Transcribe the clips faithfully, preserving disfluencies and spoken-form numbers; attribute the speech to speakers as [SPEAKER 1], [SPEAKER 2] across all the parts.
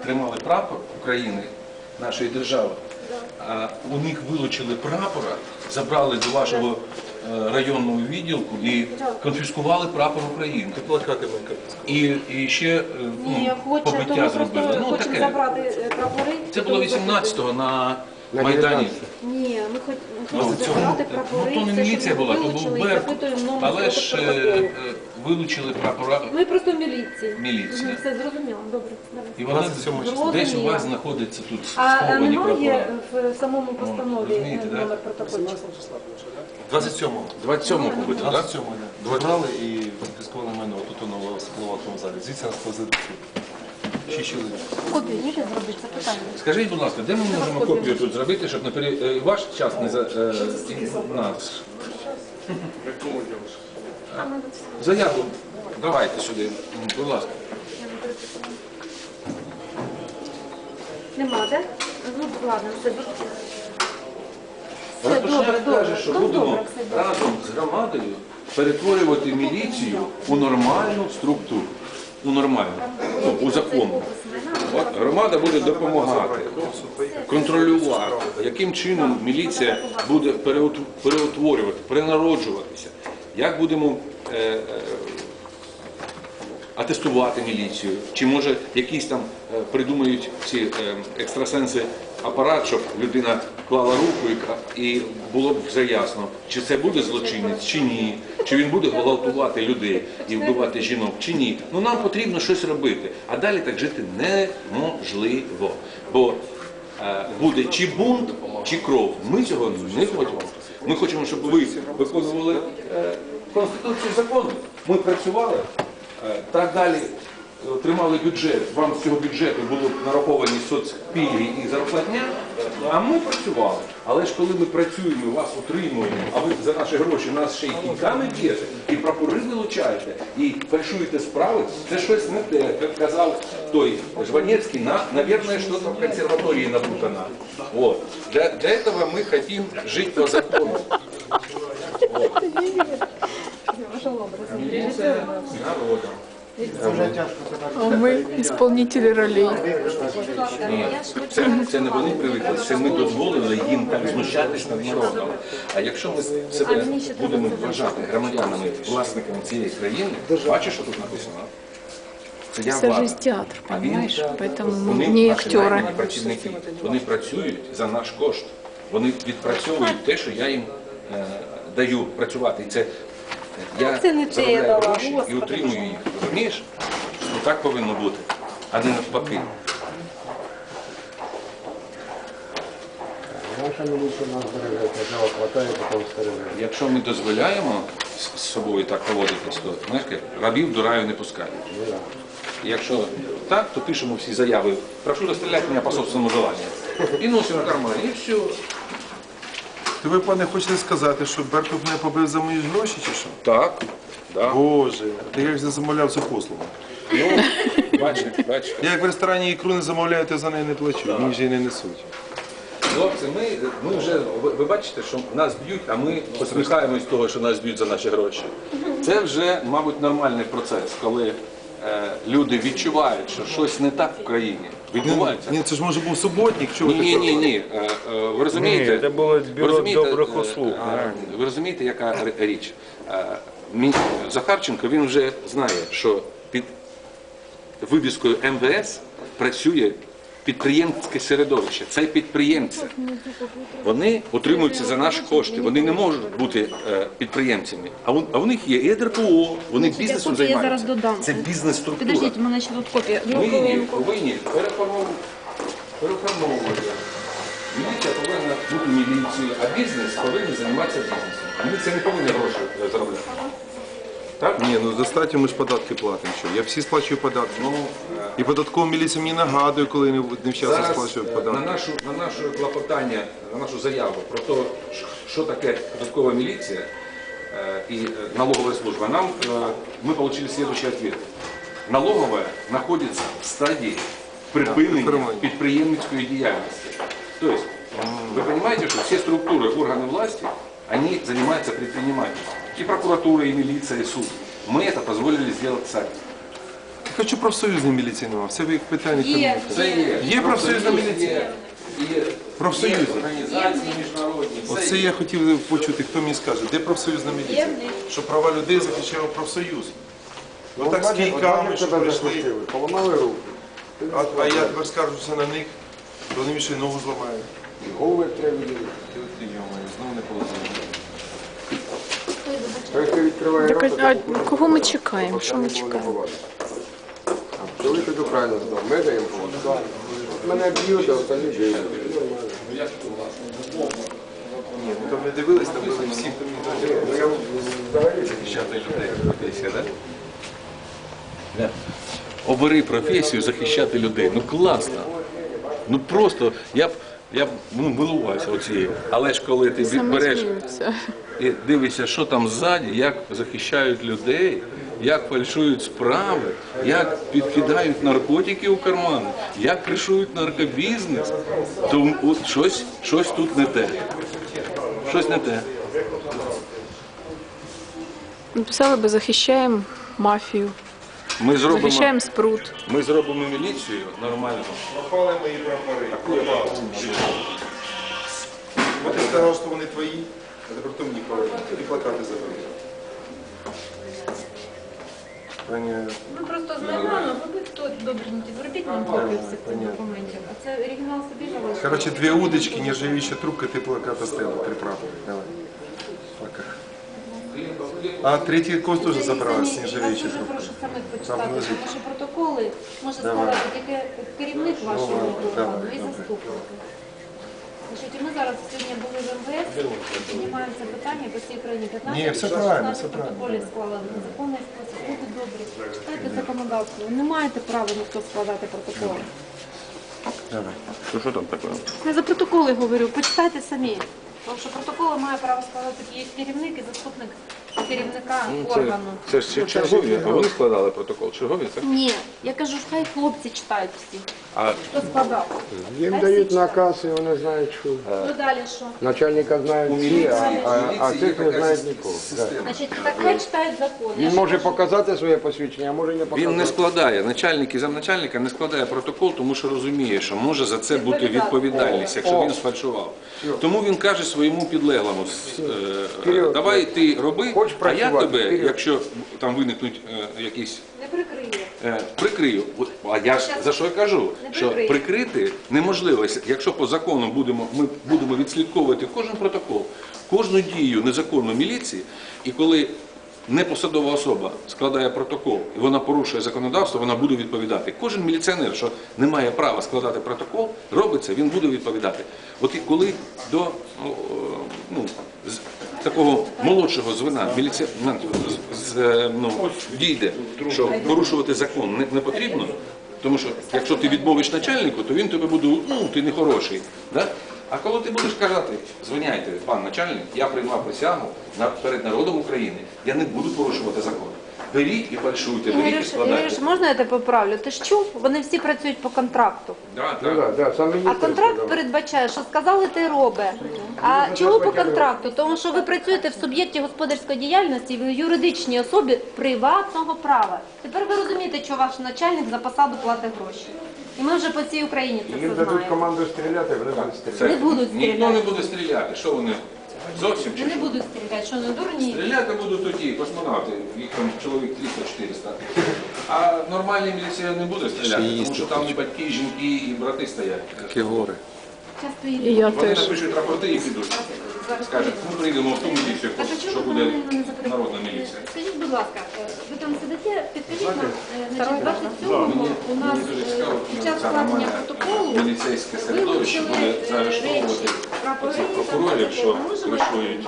[SPEAKER 1] тримали прапор України, нашої держави, а у них вилучили прапора, забрали до вашого районного відділку і конфіскували прапор України. І, і ще
[SPEAKER 2] Ні,
[SPEAKER 1] ну,
[SPEAKER 2] хоче,
[SPEAKER 1] побиття зробили. Ну,
[SPEAKER 2] хочемо
[SPEAKER 1] таке.
[SPEAKER 2] забрати прапори.
[SPEAKER 1] Це було вісімнадцятого на Майдані.
[SPEAKER 2] Ні, ми хоч- ми
[SPEAKER 1] Ну,
[SPEAKER 2] хочемо
[SPEAKER 1] цього,
[SPEAKER 2] забрати прапори.
[SPEAKER 1] ну, то не
[SPEAKER 2] це,
[SPEAKER 1] міліція
[SPEAKER 2] щоб
[SPEAKER 1] була, то був
[SPEAKER 2] вилучили, і
[SPEAKER 1] Беркут.
[SPEAKER 2] запитуємо номер
[SPEAKER 1] Але ж
[SPEAKER 2] протоколу.
[SPEAKER 1] е, е, вилучили прапора.
[SPEAKER 2] Ми просто в міліції.
[SPEAKER 1] Міліція.
[SPEAKER 2] Мгм, все зрозуміло, добре. давай.
[SPEAKER 1] І вона
[SPEAKER 2] Зрозуміло.
[SPEAKER 1] десь у вас знаходиться тут
[SPEAKER 2] А
[SPEAKER 1] сховані
[SPEAKER 2] немає
[SPEAKER 1] прапора.
[SPEAKER 2] в самому постанові
[SPEAKER 1] розумієте, да?
[SPEAKER 2] номер протокольчика?
[SPEAKER 3] двадцять сьомого.
[SPEAKER 1] двадцять сьомого побито, так?
[SPEAKER 3] двадцять сьомого забрали і конфіскували майно тут у новоспливатому залі. Звідси нас повезли до суду. Шість чоловік.
[SPEAKER 2] Копію ніде зробити, це питання.
[SPEAKER 1] Скажіть, будь ласка, де ми можемо копію тут зробити, щоб не пере... е, ваш час не за е, нас? Заяву давайте сюди, будь ласка.
[SPEAKER 2] Нема, так? Ну, ладно, все добре. Все
[SPEAKER 1] Рапошняк
[SPEAKER 2] добре, добре.
[SPEAKER 1] каже, що
[SPEAKER 2] Ну,
[SPEAKER 1] будемо
[SPEAKER 2] добре, все добре.
[SPEAKER 1] разом з громадою перетворювати міліцію у нормальну структуру. У нормальну, ну, у законну. От громада буде допомагати, контролювати, яким чином міліція буде переут- переутворювати, перенароджуватися, як будемо е, е, атестувати міліцію, чи може якісь там е, придумають ці е, екстрасенси апарат, щоб людина клала руку і, ка- і було б вже ясно, чи це буде злочинець, чи ні, чи він буде гвалтувати людей і вбивати жінок, чи ні. Ну нам потрібно щось робити, а далі так жити неможливо, бо е, буде чи бунт, чи кров. Ми цього не хочемо. Ми хочемо, щоб ви виконували е, Конституцію, закони. Ми працювали, е, так далі отримали бюджет, вам з цього бюджету було нараховані соцпільги і зарплатня, а ми працювали. Але ж коли ми працюємо, вас утримуємо, а ви за наші гроші нас ще й кіньками б'єте, і прапори вилучаєте, і фальшуєте справи, це щось не те, як казав той Жванецький, на, наверное, что-то в консерватории напутано. Вот. Для, для этого мы хотим жить по закону. Вот. Милиция с народом.
[SPEAKER 4] А ми исполнители ролей.
[SPEAKER 1] Ні, це, це не вони привикли, це ми дозволили їм так знущатись над народом. А якщо ми себе будемо вважати громадянами, власниками цієї країни, бачиш, що тут написано? Це я
[SPEAKER 4] Це
[SPEAKER 1] влада.
[SPEAKER 4] ж театр,
[SPEAKER 1] А він,
[SPEAKER 4] понимаешь? Поэтому
[SPEAKER 1] вони,
[SPEAKER 4] мы не
[SPEAKER 1] наші
[SPEAKER 4] актеры.
[SPEAKER 1] наймані працівники, вони працюють за наш кошт. Вони відпрацьовують те, що я їм е, даю працювати. І це я
[SPEAKER 2] Це не те я
[SPEAKER 1] заробляю
[SPEAKER 2] дала,
[SPEAKER 1] гроші і
[SPEAKER 2] Господи.
[SPEAKER 1] утримую їх. Розумієш? Ну, так повинно бути, а не навпаки.
[SPEAKER 5] Наша милиция нас береже, сначала хватает, потом стережет.
[SPEAKER 1] Якщо ми дозволяємо з з собою так поводитись, то знаєш, як, рабів до раю не пускають. Якщо так, то пишемо всі заяви. Прошу розстріляти мене по собственному желанню. І носимо в кармані, і все.
[SPEAKER 3] То ви, пане, хочете сказати, що Беркут мене побив за мої гроші чи що?
[SPEAKER 1] Так, да.
[SPEAKER 3] Боже, та я ж не замовляв цю послугу.
[SPEAKER 1] Ну, бачиш, бачиш.
[SPEAKER 3] Я як в ресторані ікру не замовляю, то за неї не плачу, мені вже й не несуть.
[SPEAKER 1] Хлопці, ми, ми вже, ви, ви бачите, що нас б'ють, а ми посміхаємось з того, що нас б'ють за наші гроші. Це вже, мабуть, нормальний процес, коли е, люди відчувають, що щось не так в країні. Відбувається.
[SPEAKER 3] Ні, це ж може був суботник, чого
[SPEAKER 1] Ні,
[SPEAKER 3] ви
[SPEAKER 1] ні,
[SPEAKER 3] так?
[SPEAKER 1] ні, ні. Е, е, Ви розумієте?
[SPEAKER 5] Ні, це було
[SPEAKER 1] ви
[SPEAKER 5] бюро
[SPEAKER 1] розумієте,
[SPEAKER 5] добрих
[SPEAKER 1] е,
[SPEAKER 5] услуг,
[SPEAKER 1] е,
[SPEAKER 5] правильно.
[SPEAKER 1] Ви розумієте, яка р- річ? Е, мій- Захарченко, він вже знає, що під вивіскою ем ве ес працює підприємське середовище. Це підприємці. Вони утримуються за наші кошти. Вони не можуть бути е, підприємцями. А у, а у них є і ер пе о, вони бізнесом
[SPEAKER 2] копії я зараз
[SPEAKER 1] займаються.
[SPEAKER 2] додам.
[SPEAKER 1] Це бізнес-структура.
[SPEAKER 2] Підождіть, у мене ще тут копія.
[SPEAKER 1] Ми її повинні переформовувати. переформовувати. Міліція повинна бути міліцією, а бізнес повинен займатися бізнесом. А ми це не повинні гроші е, заробляти. Так?
[SPEAKER 3] Ні, ну достатньо ми ж податки платимо. Що? Я всі сплачую податки.
[SPEAKER 1] Ну,
[SPEAKER 3] І податкова міліція мені нагадує, коли не, не вчасно
[SPEAKER 1] зараз
[SPEAKER 3] сплачують
[SPEAKER 1] е,
[SPEAKER 3] податки.
[SPEAKER 1] на нашу, на наше клопотання, на нашу заяву про те, що таке податкова міліція е, і е, налогова служба, нам, е, мы получили следующий ответ. Налоговая находится в стадии припинення підприємницької діяльності. То есть, вы понимаете, что все структуры, органы власти, они занимаются предпринимательством. И прокуратура, и милиция, и суд. Мы это позволили сделать сами.
[SPEAKER 3] Хочу профсоюзної міліції нема. Все ви питання.
[SPEAKER 2] Є.
[SPEAKER 1] Це є.
[SPEAKER 3] Є профсоюзна міліція?
[SPEAKER 1] Є
[SPEAKER 3] Профсоюзи.
[SPEAKER 1] є організації міжнародні. все
[SPEAKER 3] Оце
[SPEAKER 1] є.
[SPEAKER 3] я хотів почути, хто мені скаже, де профсоюзна міліція?
[SPEAKER 2] Є в них.
[SPEAKER 3] Що права людей захищав профсоюз.
[SPEAKER 5] Ну,
[SPEAKER 3] Отак з
[SPEAKER 5] бачиш,
[SPEAKER 3] кійками,
[SPEAKER 5] бачиш,
[SPEAKER 3] що
[SPEAKER 5] тебе
[SPEAKER 3] прийшли.
[SPEAKER 5] захистили, поламали руку.
[SPEAKER 3] А, а я тепер скаржуся на них, то вони мені ще й ногу зламають.
[SPEAKER 5] Голови треба відділити.
[SPEAKER 3] І от ти, йомаю, знову не полазили.
[SPEAKER 5] Той, хто відкриває
[SPEAKER 4] Так,
[SPEAKER 5] рота,
[SPEAKER 4] а
[SPEAKER 5] то
[SPEAKER 4] кого ми чекаємо? Що ми чекаємо?
[SPEAKER 5] А чоловік тут правильно здав. Ми даємо поводу. Мене б'ють, а остальні дають.
[SPEAKER 3] Ні, ну там не дивились, там були всі, хто мені дивилися. Захищати людей. Професія, так?
[SPEAKER 1] Да. Обери професію захищати людей. Ну класно. Ну просто я б я б ну, милувався оцією. Але ж коли ти
[SPEAKER 4] Саме
[SPEAKER 1] береш
[SPEAKER 4] сміються.
[SPEAKER 1] і дивишся, що там ззаді, як захищають людей, як фальшують справи, як підкидають наркотики у кармани, як кришують наркобізнес, то от щось, щось тут не те. Щось не те.
[SPEAKER 4] Написали би, захищаємо мафію,
[SPEAKER 1] Ми зробимо,
[SPEAKER 4] захищаємо спрут.
[SPEAKER 1] ми зробимо міліцію нормально.
[SPEAKER 3] Пропали мої прапори. Бо ти сказав, що вони твої, а тепер то мені повернуть. І плакати забрали. Пані,
[SPEAKER 2] Ми просто знаємо, ви хто добренький, зробіть нам копію всіх цих документів. А це оригінал собі залишили.
[SPEAKER 3] короче, две удочки, нержавеющая трубка, ты плаката стела, три прапора. Давай. Пока. А третий кост тоже забрала с
[SPEAKER 2] Я
[SPEAKER 3] нержавеющей
[SPEAKER 2] дуже
[SPEAKER 3] трубкой.
[SPEAKER 2] прошу самих
[SPEAKER 3] Там
[SPEAKER 2] почитати,
[SPEAKER 3] лежить.
[SPEAKER 2] тому що протоколи може
[SPEAKER 3] Давай.
[SPEAKER 2] складати тільки керівник вашого
[SPEAKER 3] Давай,
[SPEAKER 2] органу
[SPEAKER 3] давай,
[SPEAKER 2] і
[SPEAKER 3] добре.
[SPEAKER 2] заступники. Значить, і ми зараз сьогодні були в ем ве ес, піднімаємо це питання по всій країні. п'ятнадцять
[SPEAKER 3] Ні, все правильно,
[SPEAKER 2] шістнадцять
[SPEAKER 3] все правильно.
[SPEAKER 2] протоколів склали в незаконний спосіб. Люди добрі, читайте законодавство. Ви не маєте права ніхто складати протоколи.
[SPEAKER 1] Що, що там таке?
[SPEAKER 2] Я за протоколи говорю, почитайте самі. Тому що протоколи має право складати тільки керівник і заступник керівника органу.
[SPEAKER 1] Це ж чергові, а вони складали протокол. Чергові, це?
[SPEAKER 2] Ні, я кажу, хай хлопці читають всі.
[SPEAKER 1] А
[SPEAKER 2] Хто складав?
[SPEAKER 5] Їм
[SPEAKER 2] Хай
[SPEAKER 5] дають
[SPEAKER 2] всі
[SPEAKER 5] наказ, і вони знають, що
[SPEAKER 2] Ну далі що?
[SPEAKER 5] начальника знають всі, а, а, а цих не знають нікого. Да.
[SPEAKER 2] Значить, так хай читають закон. Я
[SPEAKER 5] Він
[SPEAKER 2] ж
[SPEAKER 5] може
[SPEAKER 2] кажу,
[SPEAKER 5] показати своє посвідчення, а може не показати.
[SPEAKER 1] він не складає, начальник і замначальника не складає протокол, тому що розуміє, що може за це бути відповідальність, якщо він сфальшував. Тому він каже своєму підлеглому, е,
[SPEAKER 5] Вперед.
[SPEAKER 1] давай ти роби,
[SPEAKER 5] Хочеш
[SPEAKER 1] а я
[SPEAKER 5] працювати?
[SPEAKER 1] тебе,
[SPEAKER 5] Вперед.
[SPEAKER 1] якщо там виникнуть е, якісь
[SPEAKER 2] Не прикриє.
[SPEAKER 1] Е, прикрию. От, а я ж за що я кажу?
[SPEAKER 2] Не
[SPEAKER 1] Що
[SPEAKER 2] прикрию.
[SPEAKER 1] прикрити неможливо. Якщо по закону будемо, ми будемо відслідковувати кожен протокол, кожну дію незаконну міліції, і коли непосадова особа складає протокол і вона порушує законодавство, вона буде відповідати. Кожен міліціонер, що не має права складати протокол, робиться, він буде відповідати. От і коли до ну, з такого молодшого звена міліціонерів ну, дійде, що порушувати закон не, не потрібно, тому що якщо ти відмовиш начальнику, то він тебе буде, ну, ти не хороший. Да? А коли ти будеш казати, звиняйте, пан начальник, я приймав присягу на- перед народом України, я не буду порушувати закон. Беріть і фальшуйте, беріть і
[SPEAKER 2] Ігорюш,
[SPEAKER 1] складайте.
[SPEAKER 2] Ігорюш, можна я тебе поправлю? Ти ж чув? Вони всі працюють по контракту.
[SPEAKER 1] Да,
[SPEAKER 5] Ну,
[SPEAKER 1] так.
[SPEAKER 5] да, да, сам
[SPEAKER 2] А
[SPEAKER 5] міністр
[SPEAKER 2] контракт
[SPEAKER 5] сказав.
[SPEAKER 2] передбачає, що сказали, ти роби. А чому по контракту? Тому що ви працюєте в суб'єкті господарської діяльності, в юридичній особі приватного права. Тепер ви розумієте, що ваш начальник за посаду платить гроші. І ми вже по всій Україні це
[SPEAKER 5] Їм
[SPEAKER 2] все
[SPEAKER 5] дадуть
[SPEAKER 2] знаємо.
[SPEAKER 5] команду стріляти, вони будуть стріляти.
[SPEAKER 1] Це,
[SPEAKER 2] Не будуть
[SPEAKER 1] ніхто
[SPEAKER 2] стріляти.
[SPEAKER 1] не буде стріляти. Що вони? Зовсім чи
[SPEAKER 2] Вони
[SPEAKER 1] що?
[SPEAKER 2] не будуть стріляти, що не дурні.
[SPEAKER 1] Стріляти будуть тоді, космонавти, їх там чоловік триста-чотириста. А нормальний міліціонер не буде стріляти, тому що там і батьки, і жінки, і брати стоять.
[SPEAKER 3] Такі гори.
[SPEAKER 2] Часто
[SPEAKER 4] І
[SPEAKER 2] їдуть.
[SPEAKER 4] я
[SPEAKER 1] Вони
[SPEAKER 4] теж.
[SPEAKER 1] напишуть рапорти і підуть.
[SPEAKER 2] Зараз
[SPEAKER 1] Скажуть, ми прийдемо в ту міліцію,
[SPEAKER 2] Так, а
[SPEAKER 1] що
[SPEAKER 2] чому
[SPEAKER 1] буде
[SPEAKER 2] вони не закриють?
[SPEAKER 1] народна міліція.
[SPEAKER 2] Скажіть, будь ласка, е, ви там сидите, підкажіть нам, е, значить, двадцять сьомого у нас
[SPEAKER 1] Мені дуже
[SPEAKER 2] е,
[SPEAKER 1] цікаво,
[SPEAKER 2] під
[SPEAKER 1] ну,
[SPEAKER 2] час
[SPEAKER 1] це
[SPEAKER 2] складення
[SPEAKER 1] нормальне
[SPEAKER 2] протоколу
[SPEAKER 1] міліцейське середовище
[SPEAKER 2] вилучили
[SPEAKER 1] буде
[SPEAKER 2] е,
[SPEAKER 1] заарештовувати
[SPEAKER 2] речі, прапори,
[SPEAKER 1] цих
[SPEAKER 2] там,
[SPEAKER 1] прокурорів, що
[SPEAKER 2] ми можемо
[SPEAKER 1] кришують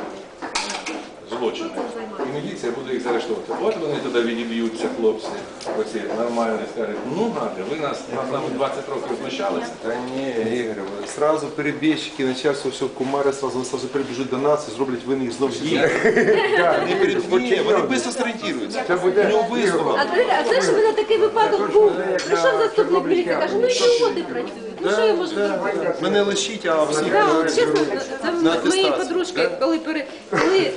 [SPEAKER 1] злочини. І міліція буде їх заарештовувати. От вони туди відіб'ються, хлопці, оці нормальні, скажуть, ну гади, ви нас над нами двадцять років знущалися.
[SPEAKER 3] Та ні, Ігор, сразу перебіжчики, начальство, все, кумари сразу, сразу прибіжуть до нас і зроблять винних знов їх. Вони перед- Ні, вони швидко зорієнтуються.
[SPEAKER 5] Це буде
[SPEAKER 3] У нього визнано.
[SPEAKER 2] А це, а це ж в мене такий випадок був. Прийшов заступник міліції, каже, ну і люди працюють. Ну що я можу зробити?
[SPEAKER 3] Мене лишіть, а всіх
[SPEAKER 2] Так, от чесно, це
[SPEAKER 3] на
[SPEAKER 2] в моєї
[SPEAKER 3] атестацію,
[SPEAKER 2] подружки, коли, пере, коли ОБ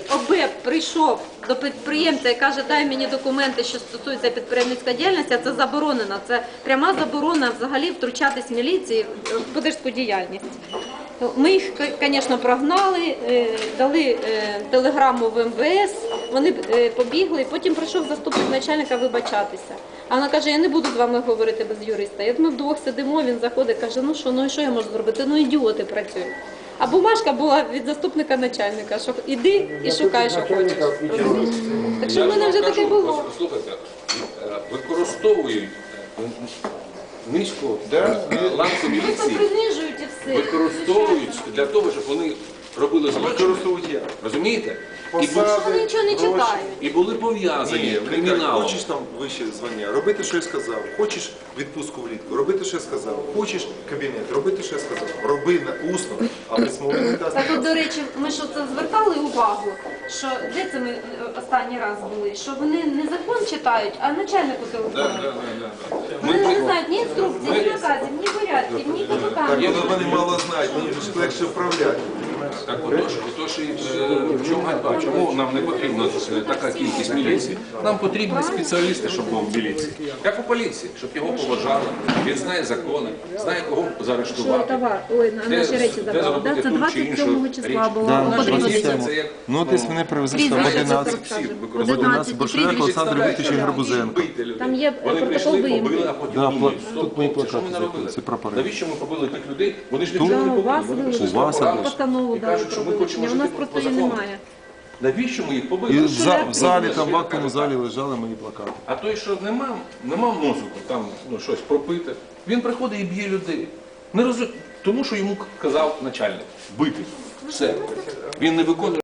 [SPEAKER 2] прийшов до підприємця і каже, дай мені документи, що стосуються підприємницької діяльності, це заборонено. Це пряма заборона взагалі втручатись міліції в господарську діяльність. Ми їх, звісно, прогнали, е, дали е, телеграму в ем ве ес, вони е, побігли, потім прийшов заступник начальника вибачатися. А вона каже, я не буду з вами говорити без юриста. І от ми вдвох сидимо, він заходить, каже, ну що, ну і що я можу зробити? Ну ідіоти працюють. А бумажка була від заступника начальника, що іди і шукай, що хочеш. Розумієш? Так що в мене вже таке було.
[SPEAKER 1] Слухайте, е, використовують е, низько е, ланку
[SPEAKER 2] Просто
[SPEAKER 1] міліції,
[SPEAKER 2] принижують і все.
[SPEAKER 1] використовують для того, щоб вони робили злочини.
[SPEAKER 3] Використовують як?
[SPEAKER 1] Розумієте? І, бу-
[SPEAKER 3] Посади,
[SPEAKER 2] Вони нічого не
[SPEAKER 3] гроші.
[SPEAKER 2] читають.
[SPEAKER 1] і були пов'язані
[SPEAKER 3] Ні, вони кажуть,
[SPEAKER 1] криміналом.
[SPEAKER 3] хочеш там вище звання, робити, що я сказав. Хочеш відпустку влітку, робити, що я сказав. Хочеш кабінет, робити, що я сказав. Роби на усно, а письмово не дасть.
[SPEAKER 2] Так от, до речі, ми що це звертали увагу, що де це ми е, останній раз були, що вони не закон читають, а начальнику телефонують. Вони не знають ні інструкцій, ні наказів, ні порядків, ні КПК.
[SPEAKER 3] Так, але вони мало знають, мені ж легше вправляти.
[SPEAKER 1] Так отож, отож і е, в чому ганьба? Чому нам не потрібна е, така кількість міліції? Нам потрібні спеціалісти, щоб був в міліції. Як у поліції, щоб його поважали. Він знає закони, знає кого
[SPEAKER 2] Що
[SPEAKER 1] заарештувати.
[SPEAKER 2] товар, ой, на
[SPEAKER 1] Де-
[SPEAKER 2] наші речі
[SPEAKER 1] де
[SPEAKER 2] забрали.
[SPEAKER 1] зробити
[SPEAKER 2] Да, це
[SPEAKER 1] ту чи
[SPEAKER 2] двадцять
[SPEAKER 1] іншу
[SPEAKER 2] сьомого
[SPEAKER 1] річ.
[SPEAKER 2] числа було
[SPEAKER 3] Да,
[SPEAKER 2] потрібно.
[SPEAKER 3] наша
[SPEAKER 1] Поліція
[SPEAKER 3] система.
[SPEAKER 1] це як,
[SPEAKER 3] Ну, десь мене привезли в
[SPEAKER 2] Прізвище
[SPEAKER 3] одинадцять.
[SPEAKER 2] це
[SPEAKER 1] всі
[SPEAKER 2] скажу.
[SPEAKER 1] використовують.
[SPEAKER 3] одинадцять Боршак
[SPEAKER 2] прізвище
[SPEAKER 3] Олександр
[SPEAKER 2] скажу.
[SPEAKER 3] Вікторович Гарбузенко.
[SPEAKER 1] бити людей.
[SPEAKER 2] Там є
[SPEAKER 1] Вони
[SPEAKER 2] протокол
[SPEAKER 1] прийшли,
[SPEAKER 2] виїмки.
[SPEAKER 1] побили, а потім
[SPEAKER 3] Да,
[SPEAKER 1] думають,
[SPEAKER 3] пла-
[SPEAKER 1] стоп,
[SPEAKER 3] тут мої
[SPEAKER 1] хлопці, що ми
[SPEAKER 3] плакати
[SPEAKER 1] наробили?
[SPEAKER 3] закрили, це прапори.
[SPEAKER 1] Навіщо ми побили тих людей? Вони ж
[SPEAKER 2] Да,
[SPEAKER 1] нічого не
[SPEAKER 2] у вас
[SPEAKER 1] побили. Вони
[SPEAKER 2] вилучили.
[SPEAKER 1] прийшли
[SPEAKER 3] У вас
[SPEAKER 1] справу
[SPEAKER 2] Постанову
[SPEAKER 1] і
[SPEAKER 2] дали
[SPEAKER 1] кажуть, що
[SPEAKER 2] про
[SPEAKER 1] ми хочемо
[SPEAKER 2] вилучення. У нас
[SPEAKER 1] жити
[SPEAKER 2] просто
[SPEAKER 1] по
[SPEAKER 2] її
[SPEAKER 1] закону.
[SPEAKER 2] немає.
[SPEAKER 1] Навіщо ми їх
[SPEAKER 3] І
[SPEAKER 1] побили?
[SPEAKER 3] в, за- в залі,
[SPEAKER 1] Прізвище,
[SPEAKER 3] там в актовому
[SPEAKER 1] так.
[SPEAKER 3] залі лежали мої плакати.
[SPEAKER 1] А той, що нема, нема мозку, там ну, щось пропити, він приходить і б'є людей. Не розум... Тому що йому казав начальник бити. Все. Він не виконує.